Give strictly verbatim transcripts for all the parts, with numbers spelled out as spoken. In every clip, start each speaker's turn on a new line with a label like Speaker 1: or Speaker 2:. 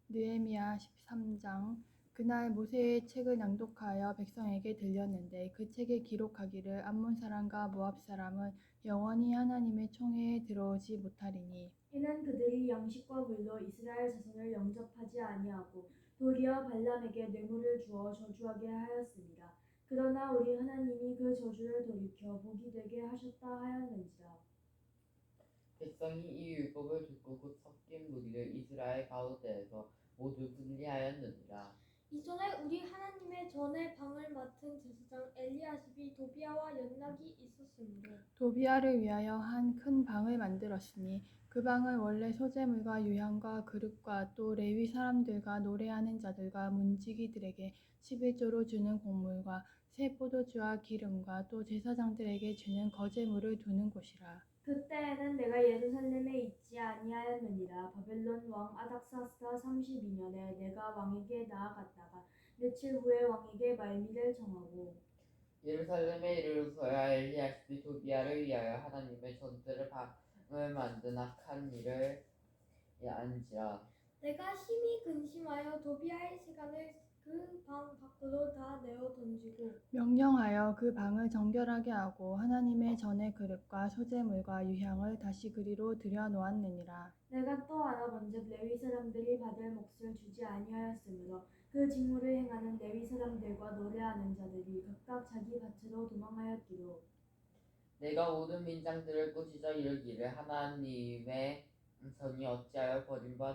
Speaker 1: 느헤미야 십삼 장. 그날 모세의 책을 낭독하여 백성에게 들렸는데 그 책에 기록하기를 암몬 사람과 모압 사람은 영원히 하나님의 총회에 들어오지 못하리니
Speaker 2: 이는 그들이 양식과 물로 이스라엘 자손을 영접하지 아니하고 도리어 발람에게 뇌물을 주어 저주하게 하였습니다. 그러나 우리 하나님이 그 저주를 돌이켜 복이 되게 하셨다 하였는지라.
Speaker 3: 백성이 이 율법을 듣고 곧 섞인 무리를 이스라엘 가운데에서 모두 분리하였느니라.
Speaker 4: 이전에 우리 하나님의 전에 방을 맡은 제사장 엘리야십이 도비야와 연락이 있었으므로
Speaker 1: 도비야를 위하여 한 큰 방을 만들었으니 그 방은 원래 소재물과 유향과 그릇과 또 레위 사람들과 노래하는 자들과 문지기들에게 십일조로 주는 곡물과 새 포도주와 기름과 또 제사장들에게 주는 거제물을 두는 곳이라.
Speaker 2: 그때에는 내가 예루살렘에 있지 아니하였느니라. 바벨론 왕 아닥사스다 삼십이 년에 내가 왕에게 나아갔다가 며칠 후에 왕에게 말미를 정하고
Speaker 3: 예루살렘에 이르러서야 엘리야십이 도비야를 위하여 하나님의 전대를 방을 만든 악한 일을 안지라.
Speaker 4: 내가 심히 근심하여 도비야의 세간을 그 방 밖으로 다 내어 던지고
Speaker 1: 명령하여 그 방을 정결하게 하고 하나님의 전의 그릇과 소재물과 유향을 다시 그리로 들여놓았느니라.
Speaker 2: 내가 또 알아본즉 레위 사람들이 받을 몫을 주지 아니하였으므로 그 직무를 행하는 레위 사람들과 노래하는 자들이 각각 자기 밭으로 도망하였기로
Speaker 3: 내가 모든 민장들을 꾸짖어 이르기를 하나님의 전이 어찌하여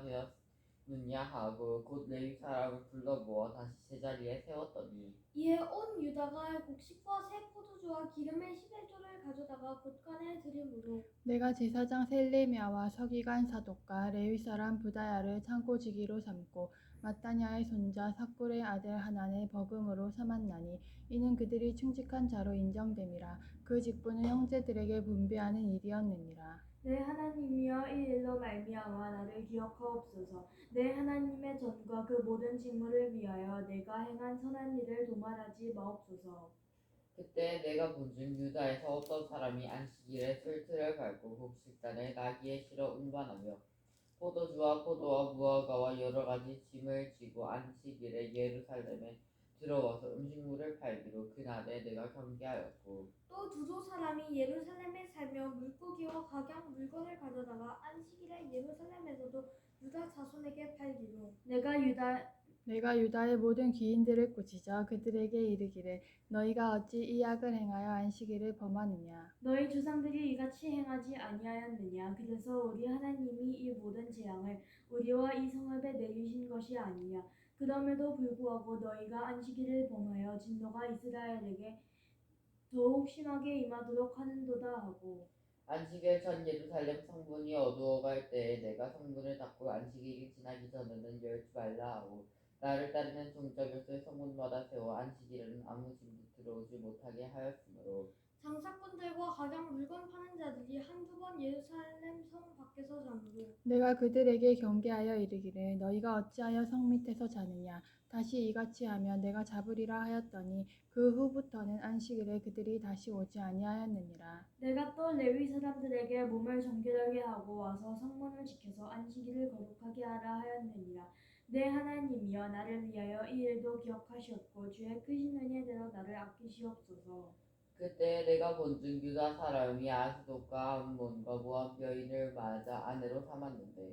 Speaker 3: 버림받았느냐 하고 곧 레위 사람을 불러 모아 다시 제자리에 세웠더니
Speaker 4: 이에 온 유다가 곡식과 새 포도주와 기름의 십일조를 가져다가 곳간에 들이므로
Speaker 1: 내가 제사장 셀레미야와 서기관 사독과 레위 사람 부다야를 창고지기로 삼고 마따냐의 손자 삭불의 아들 하난을 버금으로 삼았나니 이는 그들이 충직한 자로 인정됨이라. 그 직분은 형제들에게 분배하는 일이었느니라.
Speaker 2: 내 하나님이여 이 일로 말미암아 나를 기억하옵소서. 내 하나님의 전과 그 모든 직무를 위하여 내가 행한 선한 일을 도말하지 마옵소서.
Speaker 3: 그때 내가 본즉 유다에서 어떤 사람이 안식일에 술틀을 밟고 곡식단을 나귀에 실어 운반하며 포도주와 포도와 무화과와 여러 가지 짐을 지고 안식일에 예루살렘에 들어와서 음식물을 팔기로 그날에 내가 경계하였고
Speaker 4: 또 두조 사람이 예루살렘에 살며 물고기와 각양 물건을 가져다가 안식일에 예루살렘에서도 유다 자손에게 팔기로
Speaker 2: 내가 유다
Speaker 1: 내가 유다의 모든 귀인들을 꾸짖어 그들에게 이르기를 너희가 어찌 이 악을 행하여 안식일을 범하느냐.
Speaker 2: 너희 조상들이 이같이 행하지 아니하였느냐. 그래서 우리 하나님이 이 모든 재앙을 우리와 이 성읍에 내리신 것이 아니냐. 그럼에도 불구하고 너희가 안식일을 범하여 진노가 이스라엘에게 더욱 심하게 임하도록 하는도다 하고
Speaker 3: 안식일 전 예루살렘 성문이 어두워갈 때에 내가 성문을 닫고 안식일이 지나기 전에는 열지 말라 하고 나를 따르는 종자곁을 성문마다 세워 안식일에는 아무 짐도 들어오지 못하게 하였으므로
Speaker 4: 장사꾼들과 각양 물건 파는 자들이 한두 번 예루살렘 성 밖에서 자므로
Speaker 1: 내가 그들에게 경계하여 이르기를 너희가 어찌하여 성 밑에서 자느냐. 다시 이같이 하면 내가 잡으리라 하였더니 그 후부터는 안식일에 그들이 다시 오지 아니하였느니라.
Speaker 2: 내가 또 레위 사람들에게 몸을 정결하게 하고 와서 성문을 지켜서 안식일을 거룩하게 하라 하였느니라. 내 하나님이여 나를 위하여 이 일도 기억하시옵고 주의 크신 은혜대로 나를 아끼시옵소서.
Speaker 3: 그때 내가 본즉 유다 사람이 아스돗과 암몬과 모압 여인을 맞아 아내로 삼았는데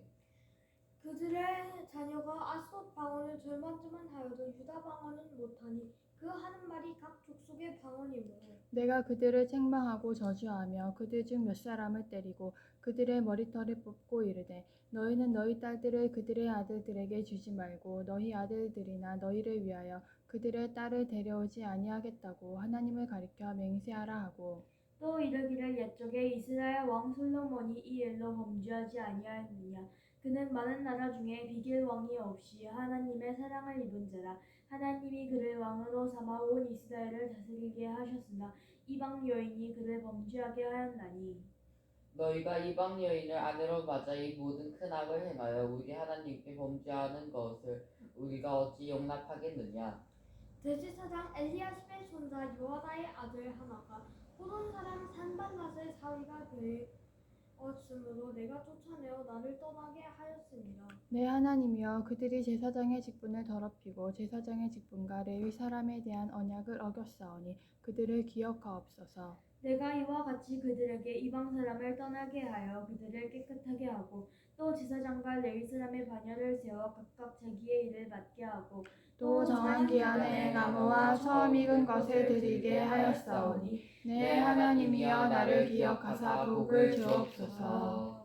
Speaker 4: 그들의 자녀가 아스돗 방언을 절반쯤은 하여도 유다 방언은 못하니 그 하는 말이 각 족속의 방언이므로
Speaker 1: 내가 그들을 책망하고 저주하며 그들 중 몇 사람을 때리고 그들의 머리털을 뽑고 이르되 너희는 너희 딸들을 그들의 아들들에게 주지 말고 너희 아들들이나 너희를 위하여 그들의 딸을 데려오지 아니하겠다고 하나님을 가리켜 맹세하라 하고
Speaker 2: 또 이르기를 옛적에 이스라엘 왕 솔로몬이 이 일로 범죄하지 아니하였느냐. 그는 많은 나라 중에 비길 왕이 없이 하나님의 사랑을 입은 자라. 하나님이 그를 왕으로 삼아 온 이스라엘을 다스리게 하셨으나 이방 여인이 그를 범죄하게 하였나니
Speaker 3: 너희가 이방 여인을 아내로 맞아 이 모든 큰 악을 행하여 우리 하나님께 범죄하는 것을 우리가 어찌 용납하겠느냐.
Speaker 4: 대제사장 엘리야십의 손자 요하다의 아들 하나가 호돈 사람 산발랏의 사위가 되 가까웠으므로 내가 쫓아내어 나를 떠나게 하였습니다.
Speaker 1: 내 하나님이여 그들이 제사장의 직분을 더럽히고 제사장의 직분과 레위 사람에 대한 언약을 어겼사오니 그들을 기억하옵소서.
Speaker 2: 내가 이와 같이 그들에게 이방 사람을 떠나게 하여 그들을 깨끗하게 하고 또 제사장과 레위 사람의 반열을 세워 각각 자기의 일을 맡게 하고
Speaker 1: 또 정한 기한에 나무와 처음 익은 것을 드리게 하였사오니 내 하나님이여 나를 기억하사 복을 주옵소서.